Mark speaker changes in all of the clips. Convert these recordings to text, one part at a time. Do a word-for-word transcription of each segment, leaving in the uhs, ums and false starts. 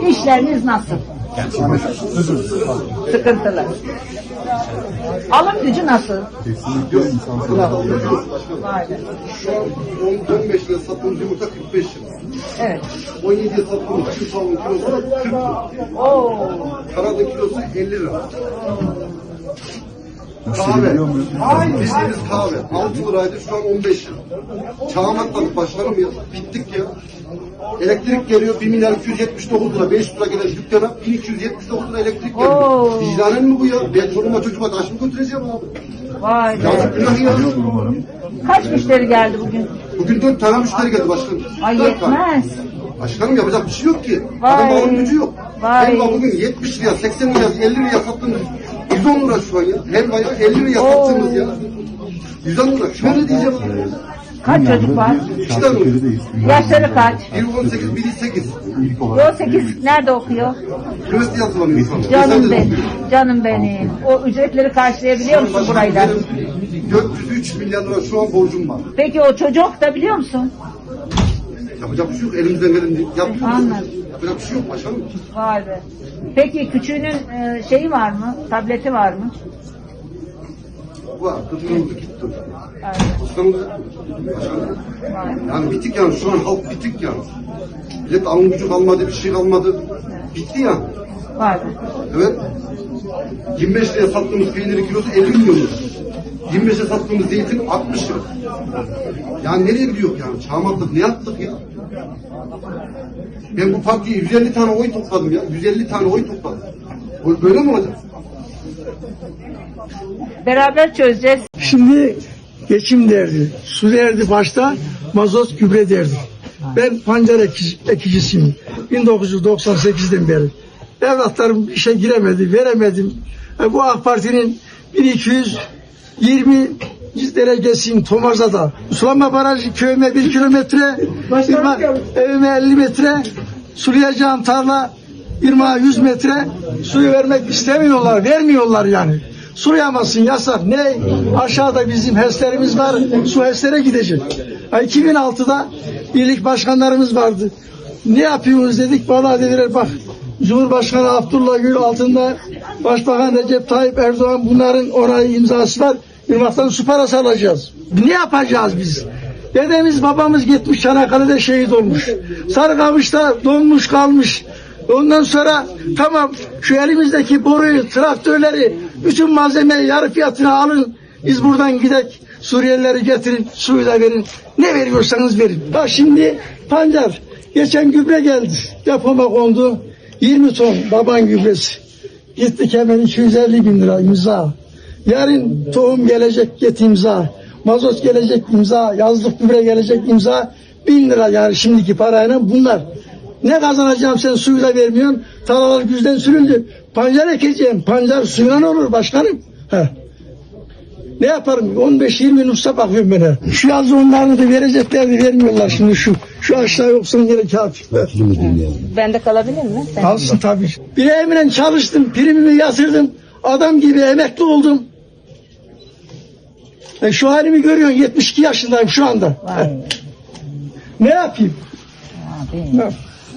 Speaker 1: İşleriniz nasıl? Sıkıntılı. Alım gücü nasıl?
Speaker 2: Kesinlikle insansız.
Speaker 1: Vay be.
Speaker 3: Şu an on beş lira sattığımız yumurta kırk beş lira.
Speaker 1: Evet.
Speaker 3: on yediye sattığımız şu tavuğun kilosu kırk lira.
Speaker 1: Oo.
Speaker 3: Karadın kilosu elli lira.
Speaker 2: Müşteri
Speaker 3: Kahve.
Speaker 2: geliyor mu?
Speaker 3: Bildiğimiz kahve. altı liraydı, şu an on beş lira. Çağım atladık başkanım ya. Bittik ya. Elektrik geliyor bir milyar iki yüz yetmiş dokuz lira. beş lira gelen dükkana bin iki yüz yetmiş dokuz lira elektrik geliyor.
Speaker 1: Oo.
Speaker 3: Vicdanen mi bu ya? Ben çoluğuma çocuğuma taş mı götüreceğim abi?
Speaker 1: Vay be.
Speaker 3: Yazık günah ya.
Speaker 2: Geliyordur umarım.
Speaker 1: Kaç müşteri geldi bugün?
Speaker 3: Bugün dört tane müşteri geldi başkanım.
Speaker 1: Ay
Speaker 3: Dört tane.
Speaker 1: yetmez.
Speaker 3: Başkanım yapacak bir şey yok ki.
Speaker 1: Vay.
Speaker 3: Adam alım gücü yok.
Speaker 1: Vay.
Speaker 3: Helva bugün yetmiş liraya, seksen liraya, elli liraya sattığımız yüz on lira şu an ya. Helvayı elli liraya sattığımız ya. yüz on lira. Şöyle diyeceğim.
Speaker 1: Kaç çocuk var?
Speaker 3: İki tane oluyor.
Speaker 1: Yaşları kaç?
Speaker 3: Biri on sekiz, biri sekiz.
Speaker 2: İlk olarak.
Speaker 1: on sekiz nerede okuyor?
Speaker 3: Üniversite yazılamıyor şu an.
Speaker 1: Canım
Speaker 3: Lisede
Speaker 1: benim.
Speaker 3: okuyor.
Speaker 1: Canım benim. O ücretleri karşılayabiliyor musun burayla?
Speaker 3: Benim dört yüz üç milyar lira şu an borcum var.
Speaker 1: Peki o çocuk da biliyor musun?
Speaker 3: Yapacak bir şey yok. Elimizden geleni yapıyoruz.
Speaker 1: Anladım.
Speaker 3: Yapacak bir şey yok başkanım.
Speaker 1: Vay be. Peki küçüğünün e, şeyi var mı? Tableti var mı?
Speaker 3: Var. Kızımız gitti.
Speaker 1: Evet.
Speaker 3: Başkanım. Başkanım.
Speaker 1: Vay.
Speaker 3: Yani bitik yani. Şu an halk bitik yani. Millet alım gücü kalmadı, bir şey kalmadı. Bitti yani.
Speaker 1: Vay be.
Speaker 3: Evet. yirmi beş liraya sattığımız peynirin kilosu elli milyon lira. yirmi beşe sattığımız zeytin altmış lira. Yani nereye gidiyor yani? Çağmatlık ne yaptık ya? Ben bu partiye yüz elli tane oy topladım ya. yüz elli tane oy topladım. Böyle mi olacak?
Speaker 1: Beraber çözeceğiz.
Speaker 4: Şimdi geçim derdi, su derdi başta, mazot gübre derdi. Ben pancar ekici, ekicisiyim. bin dokuz yüz doksan sekizden beri. Evlatlarım işe giremedi, veremedim. E, bu AK Parti'nin bin iki yüz yirmi derecesiyim Tomarza'da. Sulama barajı köyüme bir kilometre, irma, evime elli metre, sulayacağım tarla irmağa yüz metre, suyu vermek istemiyorlar, vermiyorlar yani. Sulayamazsın, yasak. Ne? Aşağıda bizim HES'lerimiz var, su HES'lere gidecek. iki bin altıda birlik başkanlarımız vardı. Ne yapıyoruz dedik, vallahi dediler bak, Cumhurbaşkanı Abdullah Gül altında Başbakan Recep Tayyip Erdoğan bunların orayı imzası var. Irmak'tan su parası alacağız. Ne yapacağız biz? Dedemiz babamız gitmiş Çanakkale'de şehit olmuş. Sarıkamış'ta donmuş kalmış. Ondan sonra tamam şu elimizdeki boruyu, traktörleri, bütün malzemeyi yarı fiyatına alın. Biz buradan gidek, Suriyelileri getirin, suyu da verin. Ne veriyorsanız verin. Bak şimdi pancar, geçen gübre geldi. Depoma kondu. yirmi ton baban gübresi. Gittik hemen iki yüz elli bin lira imza. Yarın tohum gelecek, get imza. Mazot gelecek imza. Yazlık gübre gelecek imza. Bin lira yani şimdiki parayla bunlar. Ne kazanacağım sen suyu da vermiyorsun. Tarlalar güzden sürüldü. Pancar ekeceğim. Pancar suyla olur başkanım. Heh. Ne yaparım? on beş yirmi nüfusa bakıyorum ben. He. Şu yazı onlarını da vereceklerdi vermiyorlar şimdi şu. Şu aşağı yoksan yine kafir.
Speaker 1: Bende kalabilir mi? Sen-
Speaker 4: Alsın tabii. Bileğimle çalıştım. Primimi yatırdım. Adam gibi emekli oldum. E şu halimi görüyorsun. yetmiş iki yaşındayım şu anda.
Speaker 1: Vay.
Speaker 4: Ne yapayım?
Speaker 1: Abi.
Speaker 4: Ne?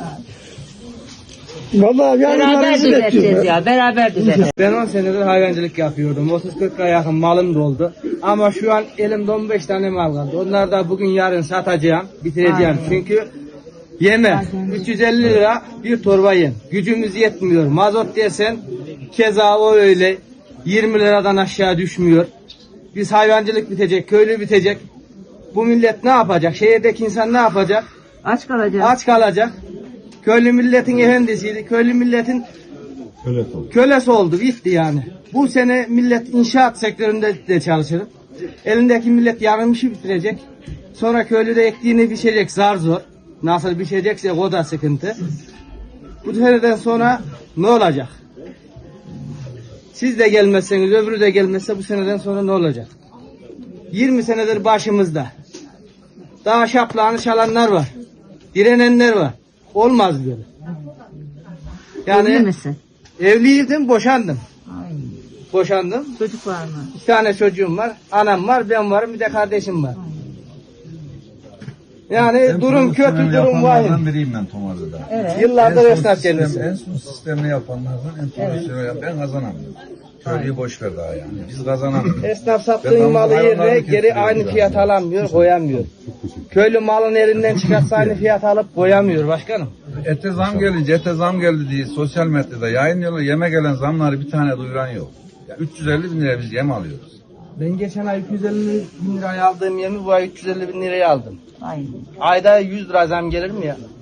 Speaker 4: Vallahi
Speaker 1: Beraber
Speaker 4: yarınlarınızı
Speaker 1: düzelteceğiz
Speaker 4: bekliyorum.
Speaker 1: ya. Beraber düzelteceğiz.
Speaker 5: Ben on senedir hayvancılık yapıyordum. otuz kırka yakın malım doldu. Ama şu an elimde on beş tane mal kaldı. Onları da bugün yarın satacağım, bitireceğim.
Speaker 1: Aynen.
Speaker 5: Çünkü yeme. üç yüz elli lira bir torba yem. Gücümüz yetmiyor. Mazot desen keza o öyle. yirmi liradan aşağı düşmüyor. Biz hayvancılık bitecek, köylü bitecek. Bu millet ne yapacak? Şehirdeki insan ne yapacak?
Speaker 1: Aç kalacağız.
Speaker 5: Aç kalacak. Köylü milletin efendisiydi. Köylü milletin kölesi oldu. Bitti yani. Bu sene millet inşaat sektöründe de çalışır. Elindeki millet yarım işi bitirecek. Sonra köylü de ektiğini biçecek zar zor. Nasıl biçecekse o da sıkıntı. Bu seneden sonra ne olacak? Siz de gelmezseniz öbürü de gelmezse bu seneden sonra ne olacak? yirmi senedir başımızda. Daha şaplağını çalanlar var. Direnenler var. Olmaz böyle. Yani
Speaker 1: Evli misin?
Speaker 5: evliydim, boşandım.
Speaker 1: Ay.
Speaker 5: Boşandım.
Speaker 1: Çocuk var mı?
Speaker 5: Bir tane çocuğum var, anam var, ben varım, bir de kardeşim var. Yani durum kötü, durum vahim.
Speaker 6: biriyim ben Tomarlı'da.
Speaker 1: Evet.
Speaker 5: Yıllardır
Speaker 6: En son
Speaker 5: esnaf
Speaker 6: sistem-
Speaker 5: kendisi.
Speaker 6: En son sistemini yapanlardan en profesyonel yapan ben kazanamıyorum. Köylüyü boş ver daha yani. Biz kazanamıyoruz.
Speaker 5: Esnaf
Speaker 6: Ben
Speaker 5: sattığın malı
Speaker 6: hayvanlarını
Speaker 5: yerine geri
Speaker 6: kestiriyorum
Speaker 5: aynı
Speaker 6: yani.
Speaker 5: fiyat alamıyor, koyamıyor. Köylü malın elinden çıkarsa aynı fiyat alıp koyamıyor başkanım.
Speaker 6: Ete zam gelince ete zam geldi diye sosyal medyada yayınlıyorlar. Yeme gelen zamları bir tane duyuran yok. Ya üç yüz elli bin liraya biz yem alıyoruz.
Speaker 5: Ben geçen ay iki yüz elli bin liraya aldığım yemi bu ay üç yüz elli bin liraya aldım.
Speaker 1: Aynen.
Speaker 5: Ayda yüz lira zam gelir mi ya?